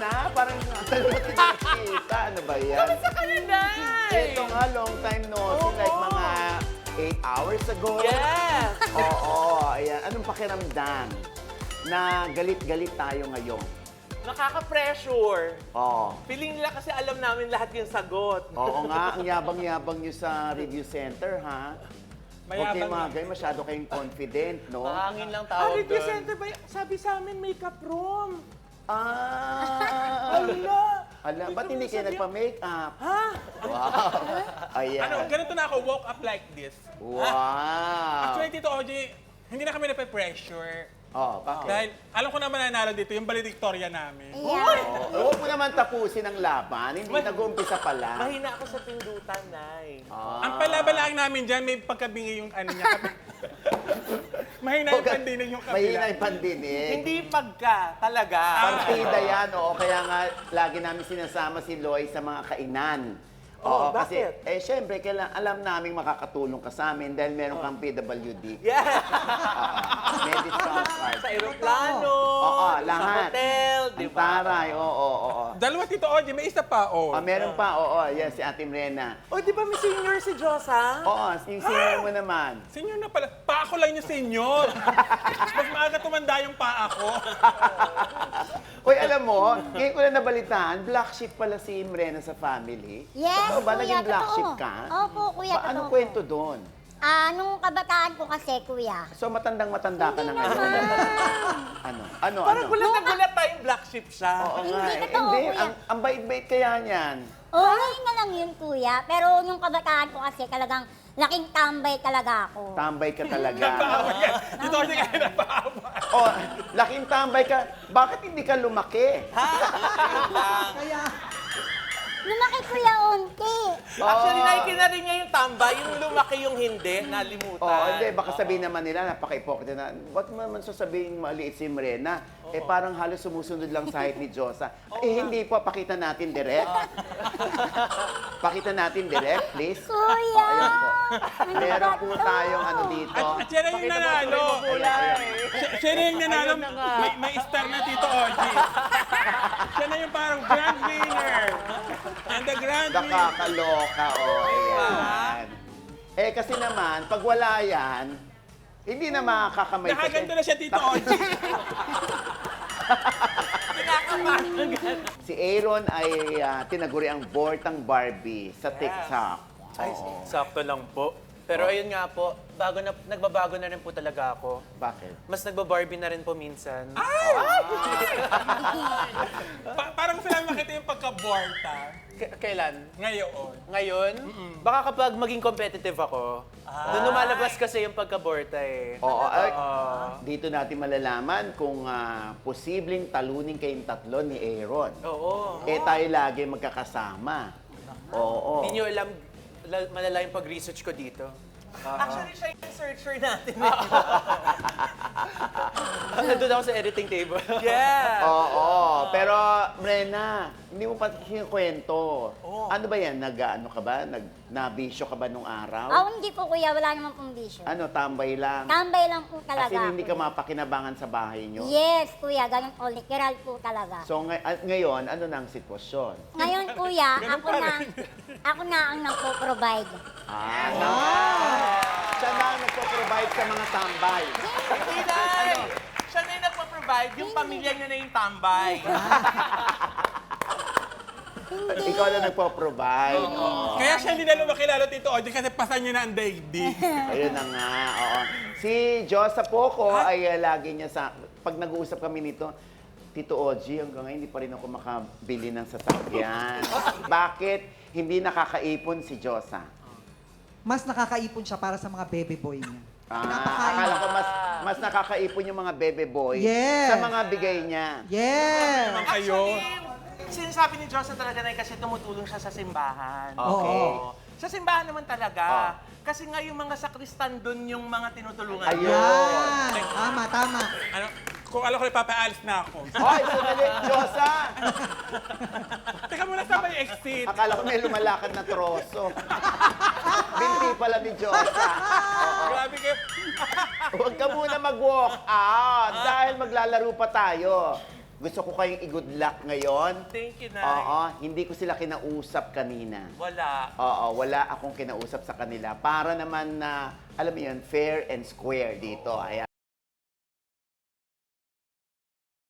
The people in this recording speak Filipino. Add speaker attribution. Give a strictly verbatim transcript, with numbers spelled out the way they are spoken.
Speaker 1: na. Parang tagal mo tinakita. Ano ba yan?
Speaker 2: Kamusta ka na, Day?
Speaker 1: Ito nga, long time no see.
Speaker 2: Oo.
Speaker 1: Like mga eight hours ago.
Speaker 2: Yes!
Speaker 1: Oo, ayan. Anong pakiramdam na galit-galit tayo ngayon?
Speaker 2: Nakaka-pressure.
Speaker 1: Oo.
Speaker 2: Feeling nila kasi alam namin lahat yung sagot.
Speaker 1: Oo nga, ang yabang-yabang nyo sa review center, ha? Huwag kayo mga
Speaker 3: Mayabang
Speaker 1: guys, masyado kayong confident, no?
Speaker 3: Mahangin lang
Speaker 2: Ah,
Speaker 3: tawag
Speaker 2: review
Speaker 3: doon.
Speaker 2: center ba? y- Sabi sa amin, makeup room.
Speaker 1: Ah!
Speaker 2: Ala!
Speaker 1: Ala, ba't hindi kayo nagpa-makeup?
Speaker 2: Ha?
Speaker 1: Wow! Ayan.
Speaker 3: Ano, ganito na ako, walk up like this.
Speaker 1: Wow!
Speaker 3: Actually, Tito O J, hindi na kami nape-pressure.
Speaker 1: Oh, bakit?
Speaker 3: Dahil alam ko naman nanalo dito, yung valedictoria namin.
Speaker 1: Oh, huwag mo naman tapusin ang laban. Hindi nag-uumpisa pa lang.
Speaker 2: Mahina ako sa pindutan, Nay.
Speaker 1: Ah.
Speaker 3: Ang palabalaan namin dyan, may pagkabingi yung ano niya. Mahina yung pandinig yung kabila.
Speaker 1: Mahina yung pandinig.
Speaker 2: Hindi pagka, talaga.
Speaker 1: Partida yan, oo. Kaya nga, lagi namin sinasama si Loy sa mga kainan.
Speaker 2: Oh,
Speaker 1: kasi,
Speaker 2: bakit?
Speaker 1: eh, syempre, kailan, alam namin makakatulong ka sa amin dahil meron kang P W D.
Speaker 2: Yeah!
Speaker 1: May discount card.
Speaker 2: Sa aeroplano,
Speaker 1: Oo,
Speaker 2: sa
Speaker 1: lahat.
Speaker 2: hotel, di
Speaker 1: Ang
Speaker 2: ba?
Speaker 1: taray, oo, oo, oo.
Speaker 3: Dalawa, Tito O J, may isa pa, oh.
Speaker 1: Ah, meron pa, oo, yan, si Ate Mrena.
Speaker 2: O, di ba may senior si Josa?
Speaker 1: Oo, yung senior mo naman.
Speaker 3: Senyor na pala. Pa ako lang yung senyor. Mas maaga tumanda yung pa ako.
Speaker 1: Uy, alam mo, ngayon ko lang nabalitaan, black sheep pala si Mrena sa family.
Speaker 4: Yes,
Speaker 1: Totoo ba
Speaker 4: kuya,
Speaker 1: naging black
Speaker 4: totoo.
Speaker 1: sheep ka?
Speaker 4: Opo, kuya,
Speaker 1: Ba, anong
Speaker 4: totoo
Speaker 1: kwento
Speaker 4: po.
Speaker 1: doon?
Speaker 4: Ah, nung kabataan ko kasi, kuya.
Speaker 1: So, matandang-matanda ka na
Speaker 4: Hindi
Speaker 1: ngayon.
Speaker 4: naman.
Speaker 1: Ano? Ano?
Speaker 2: Parang
Speaker 1: ano?
Speaker 2: gulat na gulat tayong black sheep siya.
Speaker 1: Oo nga.
Speaker 4: Hindi
Speaker 1: eh.
Speaker 4: totoo,
Speaker 1: Hindi,
Speaker 4: kuya.
Speaker 1: ang, ang bait-bait kaya niyan.
Speaker 4: Oo, ngayon na lang yun, kuya. Pero yung kabataan ko kasi, talagang laking tambay talaga ako.
Speaker 1: Tambay ka talaga.
Speaker 3: Napaaway yan. Tito O J kaya napaaway.
Speaker 1: Oh, laking tambay ka. Bakit hindi ka lumaki?
Speaker 4: Lumaki, kuya, unti.
Speaker 2: Actually,
Speaker 1: Oo.
Speaker 2: nakikita rin niya yung tamba, yung lumaki yung hindi, nalimutan.
Speaker 1: Oh, hindi. Baka sabihin naman nila, napaka-hypocrite na, ba't mo naman sasabihin maliit si Mrena? Eh, parang halos sumusunod lang sa height ni Josa. Eh, hindi po. Pakita natin direct. Pakita natin direct, please.
Speaker 4: Kuya!
Speaker 1: Oh, ayan po.
Speaker 4: Ano
Speaker 1: Meron
Speaker 4: ba
Speaker 1: po
Speaker 4: to?
Speaker 1: tayong ano dito.
Speaker 3: At, at siya na yung nanalo.
Speaker 1: Ayan, ayan.
Speaker 3: Siya- Siya na yung nanalo.
Speaker 2: Ayun na nga.
Speaker 3: May, may star na Tito O J. Siya na yung parang grand winner. And the grand winner.
Speaker 1: Nakakaloka, oh. Ayan. Eh, kasi naman, pag wala yan, hindi na makakakamay. sa-
Speaker 3: Nakaganto na siya Tito O J.
Speaker 1: Si Aaron ay ah, tinaguri ang Bortang Barbie sa TikTok.
Speaker 5: Ay,
Speaker 1: Oo.
Speaker 5: sakto lang po. Pero ayun nga po, bago na, nagbabago na rin po talaga ako.
Speaker 1: Bakit?
Speaker 5: Mas nagba-Barbie na rin po minsan.
Speaker 3: Pa- parang sila makita yung pagka-borta.
Speaker 5: K- kailan?
Speaker 3: Ngayon.
Speaker 5: Ngayon? Baka kapag maging competitive ako, doon lumalabas kasi yung pagka-borta eh.
Speaker 1: Oo. ay,
Speaker 5: Oo.
Speaker 1: dito natin malalaman kung ah, posibleng talunin kayong tatlo ni Aaron.
Speaker 5: Oo.
Speaker 1: Eh, tayo lagi magkakasama. Oo.
Speaker 5: Hindi nyo alam, la- malala yung pag-research ko dito.
Speaker 2: Actually, siya yung searcher natin.
Speaker 5: Nandun ako sa editing table.
Speaker 2: Yeah!
Speaker 1: Oo. Pero, Mrena, hindi mo pa kinukwento. Ano ba yan? Nag, ano ka ba? Nag, nabisyo ka ba nung araw?
Speaker 4: Ah, hindi po, kuya. Wala naman pong bisyo.
Speaker 1: Ano, tambay lang?
Speaker 4: Tambay lang po talaga.
Speaker 1: Kasi hindi ka
Speaker 4: kuya.
Speaker 1: mapakinabangan sa bahay nyo?
Speaker 4: Yes, kuya. Ganun po. Literal po talaga.
Speaker 1: So, ngay- ah, ngayon, ano na ang sitwasyon?
Speaker 4: Ngayon, kuya,
Speaker 3: Ganun
Speaker 4: ako
Speaker 3: pa
Speaker 4: na,
Speaker 3: rin.
Speaker 4: ako na ang nagpo-provide.
Speaker 1: Ah, na, siya na ang nagpo-provide sa mga tambay.
Speaker 2: Hindi, Nay! Siya na yung nagpa-provide, yung pamilya niya na yung tambay.
Speaker 1: Ikaw na nagpo-provide. Oo.
Speaker 3: Kaya siya hindi na lumaki lalo Tito O J kasi pasan niya na ang daigdig.
Speaker 1: Ayun na nga, oo. Si Josa Poco ay uh, lagi niya sa... Pag nag-uusap kami nito, Tito O G, hanggang ngayon hindi pa rin ako makabili ng sasakyan. Bakit hindi nakakaipon si Josa?
Speaker 6: Mas nakakaipon siya para sa mga baby boy niya.
Speaker 1: Ah,
Speaker 6: Pinapakain
Speaker 1: akala
Speaker 6: niya.
Speaker 1: ko mas mas nakakaipon yung mga bebe boy
Speaker 6: Yes.
Speaker 1: sa mga bigay niya.
Speaker 6: Yes!
Speaker 3: Naman kayo.
Speaker 2: Actually, sinasabi ni Josa talaga na kasi tumutulong siya sa simbahan.
Speaker 1: Okay.
Speaker 2: Oo. Sa simbahan naman talaga.
Speaker 1: Oh.
Speaker 2: Kasi nga yung mga sakristan doon yung mga tinutulungan.
Speaker 1: Ayun.
Speaker 6: Yan! Tama, tama.
Speaker 3: Ano, kung alam ko, ipapaalis na ako.
Speaker 1: Hoy, sandali, Josa!
Speaker 3: Teka muna sa may exit.
Speaker 1: Akala ko may lumalakad na troso. Binti pala ni Josa.
Speaker 3: Grabe kayo.
Speaker 1: Huwag ka muna mag-walk out dahil maglalaro pa tayo. Gusto ko kayong i-good luck ngayon.
Speaker 2: Thank you, Nay.
Speaker 1: Oo, hindi ko sila kinausap kanina.
Speaker 2: Wala.
Speaker 1: Oo, wala akong kinausap sa kanila. Para naman na, alam mo yun, fair and square dito. Ayan.